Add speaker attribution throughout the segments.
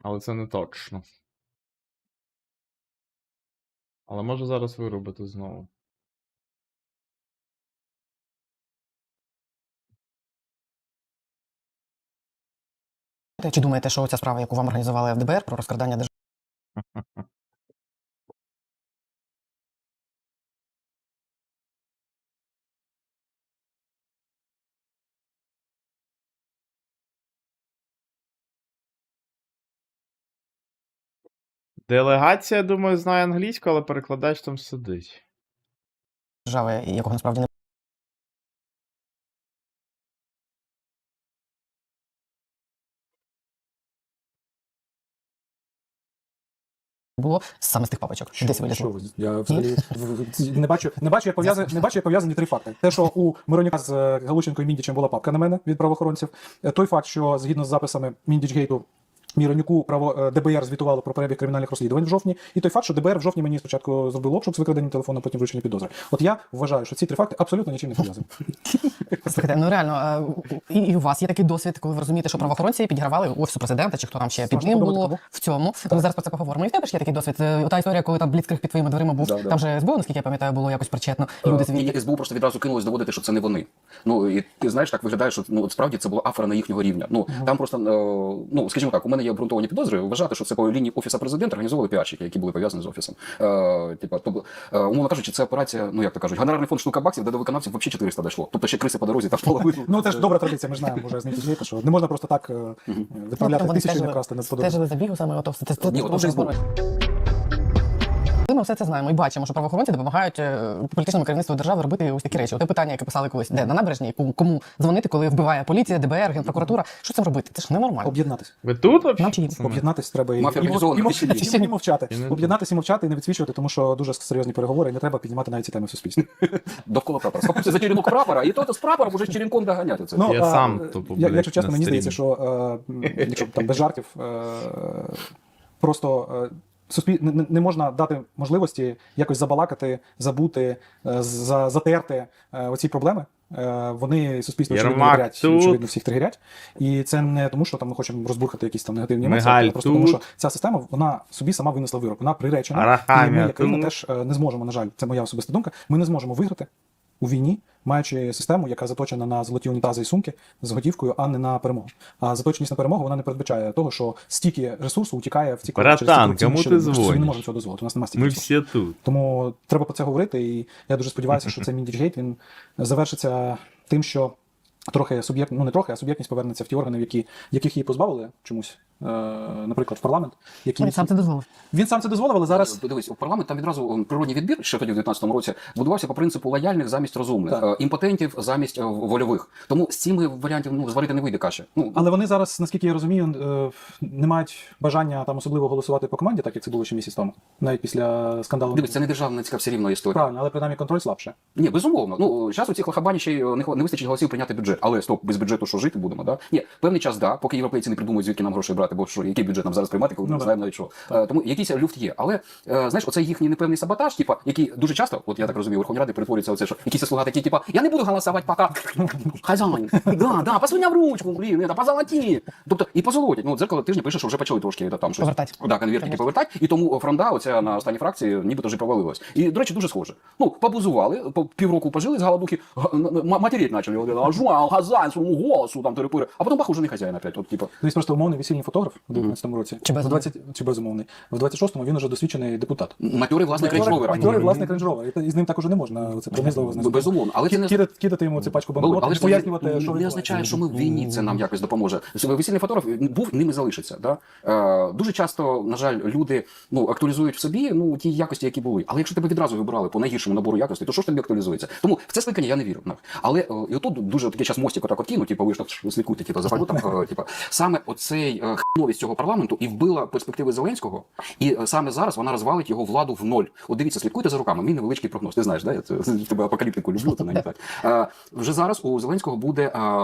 Speaker 1: Але це не точно. Але може зараз виробити знову.
Speaker 2: Чи думаєте, що ця справа, яку вам організували в ДБР про розкрадання
Speaker 1: Делегація, думаю, знає англійську, але перекладач там сидить.
Speaker 2: держави, якого насправді не було, саме з тих папочок? Десь вилізло.
Speaker 3: Я взагалі не бачу, як пов'язані три факти. Те, що у Миронюка з Галущенко і Міндічем була папка на мене від правоохоронців. Той факт, що згідно з записами Міндічгейту, Міронюку ДБР звітувало про перебіг кримінальних розслідувань в жовтні, і той факт, що ДБР в жовтні мені спочатку зробило обшук з викраденням телефону, потім вручення підозри. От я вважаю, що ці три факти абсолютно нічим не пов'язані.
Speaker 2: Слухайте, ну реально, і у вас є такий досвід, коли ви розумієте, що правоохоронці підігравали Офісу президента, чи хто там ще під ним було в цьому. Ми зараз про це поговоримо. І в тебе ж є такий досвід. Та історія, коли там бліцкриг під твоїми дверима був, там же СБУ, наскільки я пам'ятаю, було якось причетно. Люди звідти.
Speaker 4: СБУ просто відразу кинулось доводити, що це не вони. Ну, і ти знаєш, так виглядає, що от справді це була афера на їхнього рівня. Ну, там просто, скажімо так, у мене є обґрунтовані підозри, вважати, що це по лінії Офісу президента організовували піарщики, які були пов'язані з Офісом. Умовно кажучи, це операція, ну як то кажуть, гонорарний фонд штука баксів, де до виконавців взагалі 400 дійшло. Тобто ще криси по дорозі та половину.
Speaker 3: Ну, це ж добра традиція, ми ж знаємо вже з Міндічгейта, що не можна просто так відправляти тисячі і не красти на подобу.
Speaker 2: Стежили за бігу саме ото.
Speaker 4: Ні, от вже СБУ.
Speaker 2: Ми все це знаємо і бачимо, що правоохоронці допомагають політичному керівництву держави робити ось такі речі. Те питання, яке писали колись, де на набережній, кому дзвонити, коли вбиває поліція, ДБР, Генпрокуратура. Що з цим робити? Це ж ненормально.
Speaker 3: Об'єднатись.
Speaker 1: Ви тут
Speaker 2: Нам
Speaker 1: взагалі?
Speaker 2: чи їм?
Speaker 3: Об'єднатись треба і мовчати.
Speaker 1: І не-
Speaker 3: Об'єднатись і мовчати, і не відсвічувати, тому що дуже серйозні переговори, і не треба піднімати навіть ці теми в суспільстві.
Speaker 4: Довкола прапора. Схопився за черенок прапора, і то з прапором уже з черенком доганяти це.
Speaker 1: Я сам тупо, блядь,
Speaker 3: якщо чесно,
Speaker 1: на
Speaker 3: мені здається,
Speaker 1: стрімі.
Speaker 3: що якщо там без жартів, просто не можна дати можливості якось забалакати, забути, затерти оці проблеми. Вони суспільство очевидно
Speaker 1: Єрмак
Speaker 3: тригерять,
Speaker 1: тут.
Speaker 3: очевидно всіх тригерять. І це не тому, що там ми хочемо розбурхати якісь там негативні емоції,
Speaker 1: Мигаль
Speaker 3: а просто тому,
Speaker 1: тут.
Speaker 3: що ця система, вона собі сама винесла вирок, вона приречена.
Speaker 1: Арахамія
Speaker 3: І ми, як країна,
Speaker 1: тут.
Speaker 3: теж не зможемо, на жаль, це моя особиста думка, ми не зможемо виграти у війні, маючи систему, яка заточена на золоті унітази і сумки з готівкою, а не на перемогу. А заточеність на перемогу, вона не передбачає того, що стільки ресурсу утікає в ці
Speaker 1: Братан, кому ти
Speaker 3: Ми не
Speaker 1: дзвониш?
Speaker 3: можемо цього дозволити, у нас немає стільки
Speaker 1: Ми
Speaker 3: ресурсу.
Speaker 1: всі тут.
Speaker 3: Тому треба про це говорити, і я дуже сподіваюся, що цей Міндічгейт, він завершиться тим, що трохи не трохи, а суб'єктність повернеться в ті органи, яких її позбавили чомусь, наприклад, в парламент.
Speaker 2: Він сам це дозволив.
Speaker 3: Він сам це дозволив, але зараз...
Speaker 4: Дивись, у парламент там відразу природній відбір, що тоді в 19-му році, будувався по принципу лояльних замість розумних, імпотентів замість вольових. Тому з цими варіантів зварити не вийде каші.
Speaker 3: Але вони зараз, наскільки я розумію, не мають бажання там особливо голосувати по команді, так як це було ще місяць тому, навіть після скандалу.
Speaker 4: Дивись, це не державницька все рівно історія.
Speaker 3: Правильно, але принаймні контроль слабше.
Speaker 4: Ні, безумовно. Ну, зараз у цих лахабані ще й не вистачить голосів прийняти бюджет. Але стоп, без бюджету що жити будемо, да? Ні, певний час, да, поки європейці не придумають, звідки нам грошей брати, бо що, який бюджет нам зараз приймати, коли ми не знаємо навіть що. Тому якийсь люфт є. Але, знаєш, оцей їхній непевний саботаж, типа, який дуже часто, от я так розумію, у Верховній Раді перетворюється оце, що якісь слуга такі, типа, я не буду голосувати поки хазяїн. Да, посуняв ручку, блін, это, позолоті. Тобто, і позолотять. Ну, дзеркало тижня пише, що вже почали трошки там щось.
Speaker 2: Повертать.
Speaker 4: Да, конвертики повертати, і тому фронда оця на останній фракції нібито вже провалилась. І, до речі, дуже схоже. Ну, побузували, по півроку пожили з голодухи, матеріть почали, жуал, хазяїн, своєму голосу, там, терепири, а потім бах, уже не хазяїн опять, от, типа.
Speaker 3: Тобто просто умовний весільний фотограф у 19-му році. Чи безумовний. В 26-му він уже досвідчений депутат.
Speaker 4: Матьорий власник рейндж-ровера.
Speaker 3: Матьорий власник рейндж-ровера. І з ним також не можна це принизливо знати.
Speaker 4: Безумовно, але це не
Speaker 3: Кидати йому цю пачку
Speaker 4: але
Speaker 3: банкнот,
Speaker 4: ж
Speaker 3: пояснювати, що
Speaker 4: не означає, що ми в війні це нам якось допоможе. Весільний фотограф був, ними залишиться. Да? Дуже часто, на жаль, люди актуалізують в собі ті якості, які були. Але якщо тебе відразу вибирали по найгіршому набору якостей, то що ж тобі актуалізується? Тому в це скликання я не вірю. Але і отут дуже такий час мостик отак кинуть, типу, ви ж так слідкуйте, типу, за валютом. Саме оцей хновість цього парламенту і вбила перспективи Зеленського, і саме зараз вона розвалить його владу в ноль. От дивіться, слідкуйте за руками. Мій невеличкий прогноз. Ти знаєш, да? Я тебе апокаліптику люблю, то не так. Вже зараз у Зеленського буде,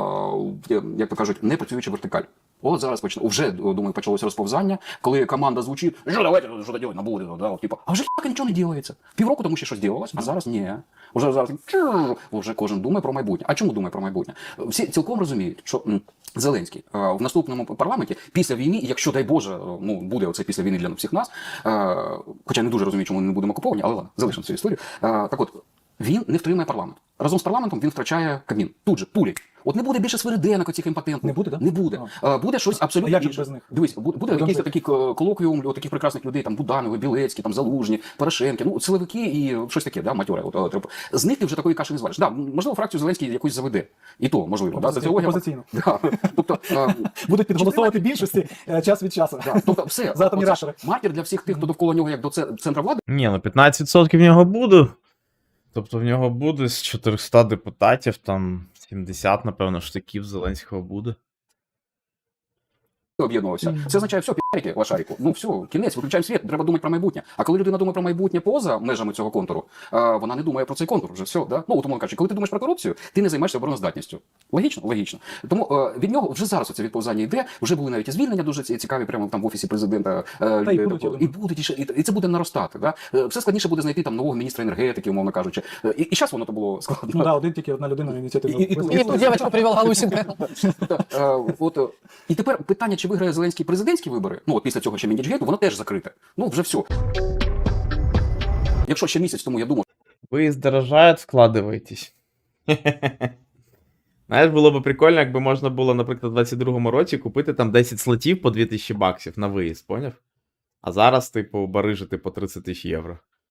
Speaker 4: як то кажуть, непрацююча вертикаль. От зараз вже, думаю, почалося розповзання, коли команда звучить, що давайте, що робити на буде, да, типу, а вже нічого не ділається. Півроку тому ще щось ділалось, а зараз ні. Уже зараз вже кожен думає про майбутнє. А чому думає про майбутнє? Всі цілком розуміють, що Зеленський в наступному парламенті після війни, якщо дай Боже, ну буде оце після війни для всіх нас, хоча не дуже розумію, чому ми не будемо окуповані, але ладно, залишимо цю історію. Так от, він не втримає парламент. Разом з парламентом він втрачає Кабмін. Тут же, пулі. От не буде більше свириденок оцих імпотентних.
Speaker 3: Не буде, да?
Speaker 4: Не буде. Буде щось абсолютно
Speaker 3: як же
Speaker 4: інше.
Speaker 3: без них?
Speaker 4: Дивись, буде якийсь такий колоквіум у таких прекрасних людей, там Буданови, Білецькі, там Залужні, Порошенки, ну силовики і щось таке, да, матьоре. З них ти вже такої каші не звалиш. Да, можливо, фракцію Зеленський якусь заведе. І то, можливо.
Speaker 3: Опозиційно.
Speaker 4: Да. Тобто,
Speaker 3: Будуть підголосовувати більшості час від часу.
Speaker 4: да, тобто все.
Speaker 3: За атомні
Speaker 4: Оце
Speaker 3: реактори.
Speaker 4: маркер для всіх тих, хто довкола нього як до центра влади.
Speaker 1: Ні, ну 15% в нього буде. Тобто в нього буде з 400 депутатів, там 70, напевно, штиків Зеленського буде.
Speaker 4: Об'єднувався. Це означає, все, пі***рики, лошарику. Ну все, кінець, виключаємо світ, треба думати про майбутнє. А коли людина думає про майбутнє поза межами цього контуру, вона не думає про цей контур вже все. Да? Ну, умовно кажучи, коли ти думаєш про корупцію, ти не займаєшся обороноздатністю. Логічно? Логічно. Тому від нього вже зараз оце відповзання йде, вже були навіть і звільнення дуже цікаві прямо там в офісі президента.
Speaker 3: Та й будуть, я думаю.
Speaker 4: І будуть, і це буде наростати. Да? Все складніше буде знайти там нового міністра енергетики, умовно кажучи. І зараз воно то було складно.
Speaker 3: Ну да, тільки одна людина ініціативна.
Speaker 4: І тут-
Speaker 2: І ту дівчинку привел Галущенко.
Speaker 4: І тепер питання, чи виграє Зеленський президентські вибори, ну от після цього ще Міндічгейту, воно теж закрите. Ну вже все. Якщо ще місяць тому я думав,
Speaker 1: Ви здорожають, вкладываетесь. Знаєш, було б прикольно, якби можна було, наприклад, у 22-му році купити там 10 слотів по 2000 баксів на виїзд, поняв? А зараз, типу, барижити по 30 000 євро.